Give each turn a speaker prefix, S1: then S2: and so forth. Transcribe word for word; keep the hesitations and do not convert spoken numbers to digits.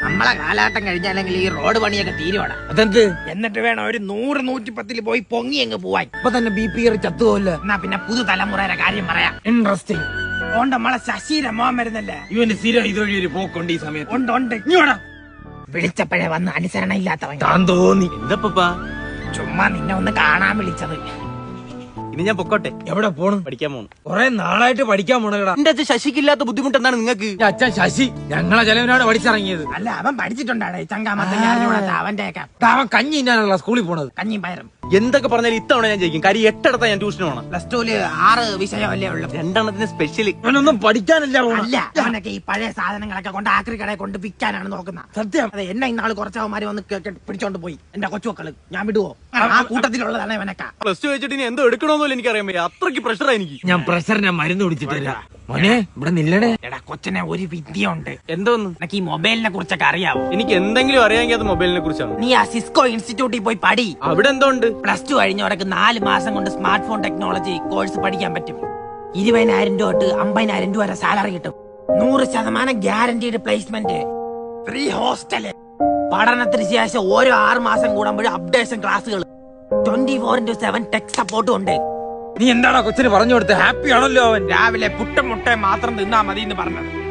S1: നമ്മളെ കാലാട്ടം കഴിഞ്ഞാലെങ്കിൽ ഈ റോഡ് പണിയൊക്കെ തീരുവാടാ.
S2: അതെന്ത്?
S1: എന്നിട്ട് വേണം ഒരു നൂറ് നൂറ്റിപ്പത്തിൽ പോയി പൊങ്ങി അങ്ങ് പോവാൻ.
S2: ഇപ്പൊ തന്നെ ബി പി കയറി ചത്തുപോല്ല.
S1: എന്നാ പിന്നെ പുതുതലമുറയുടെ കാര്യം പറയാം.
S2: ഇൻട്രസ്റ്റിംഗ്.
S1: ഓണ്ട് നമ്മളെ ശശീര മോൻ വരുന്നല്ലേ,
S2: ഇവന് സ്ഥിരം ഇതുവഴി ഒരു പോക്കുണ്ട് ഈ സമയത്ത്.
S1: ഉണ്ട് ഉണ്ട്. ഇങ്ങോടാ. വിളിച്ചപ്പോഴേ വന്ന് അനുസരണ ഇല്ലാത്തവൻ.
S2: താൻ തോന്നി.
S3: എന്താ
S1: ചുമ്മാ നിന്നെ ഒന്ന് കാണാൻ വിളിച്ചത്.
S3: ഇനി ഞാൻ പൊക്കോട്ടെ.
S2: എവിടെ പോണു?
S3: പഠിക്കാൻ പോണു.
S2: കൊറേ നാളായിട്ട് പഠിക്കാൻ പോണടാ.
S3: എന്റെ അച്ഛൻ ശശിക്കില്ലാത്ത ബുദ്ധിമുട്ട് എന്താണ് നിങ്ങൾക്ക്?
S2: അച്ഛൻ ശശി ഞങ്ങളെ ചെലവിനാണ് പഠിച്ചിറങ്ങിയത്.
S1: അല്ല അവൻ പഠിച്ചിട്ടുണ്ടാടേ ചങ്കാമത്തെ അവന്റെ ഒക്കെ.
S2: അവൻ കഞ്ഞി ഇന്നാണല്ലോ സ്കൂളിൽ പോണത്.
S1: കഞ്ഞിയും പയറും.
S3: എന്തൊക്കെ പറഞ്ഞാലും ഇത്തവണ ഞാൻ ജയിക്കും. കാര്യം എട്ടിടത്താ ഞാൻ ട്യൂഷന് പോണം.
S1: പ്ലസ് ടുല് ആറ് വിഷയമല്ലേ ഉള്ളു.
S3: രണ്ടെണ്ണത്തിന് സ്പെഷ്യല്.
S2: അവനൊന്നും പഠിക്കാനല്ല പോണ.
S1: അല്ല അവനൊക്കെ ഈ പഴയ സാധനങ്ങളൊക്കെ കൊണ്ട് ആക്രി കടയെ കൊണ്ട് വിൽക്കാനാണ് നോക്കുന്നത്.
S2: സത്യം.
S1: അതെ, എന്നെ ഇന്നാള് കുറച്ചവന്മാര് വന്ന് പിടിച്ചോണ്ട് പോയി. എന്റെ കൊച്ചുമക്കള്. ഞാൻ വിടുവോ? ആ കൂട്ടത്തിലുള്ളതാണ് ഇവനൊക്കെ.
S3: പ്ലസ് ടു വെച്ചിട്ട് ഇനി എന്തോ എടുക്കണമെന്നല്ലോ എനിക്കറിയാൻ പറ്റും. അത്രയ്ക്ക് പ്രഷറാ എനിക്ക്.
S2: ഞാൻ പ്രഷറിനെ മരുന്ന് കുടിച്ചിട്ടില്ല. മോനെ ഇവിടെ നില്ലടേ.
S1: എടാ കൊച്ചനെ ഒരു വിദ്യയുണ്ട്.
S3: എന്തോന്ന്?
S1: എനിക്ക് ഈ മൊബൈലിനെ കുറിച്ചൊക്കെ അറിയാവോ?
S3: എനിക്ക് എന്തെങ്കിലും അറിയാമെങ്കിൽ അത് മൊബൈലിനെ കുറിച്ചാണ്.
S1: നീ ആ സിസ്കോ ഇൻസ്റ്റിറ്റ്യൂട്ടിൽ പോയി പഠി.
S3: അവിടെ എന്തോ ഉണ്ട്?
S1: പ്ലസ് ടു കഴിഞ്ഞവർക്ക് നാല് മാസം കൊണ്ട് സ്മാർട്ട് ഫോൺ ടെക്നോളജി കോഴ്സ് പഠിക്കാൻ പറ്റും. ഇരുപതിനായിരം രൂപ തൊട്ട് അമ്പതിനായിരം രൂപ വരെ സാലറി കിട്ടും. നൂറ് ശതമാനം ഗ്യാരണ്ടീഡ് പ്ലേസ്മെന്റ്. Free hostel. പഠനത്തിന് ശേഷം ഓരോ ആറ് മാസം കൂടുമ്പോഴും അപ്ഡേഷൻ ക്ലാസ്സുകൾ. Twenty four into seven tech സപ്പോർട്ടും ഉണ്ട്.
S2: നീ എന്താടാ കൊച്ചിന് പറഞ്ഞു കൊടുത്ത്? ഹാപ്പി ആണല്ലോ അവൻ.
S1: രാവിലെ പുട്ടും മുട്ടയും മാത്രം തിന്നാ മതി എന്ന് പറഞ്ഞത്.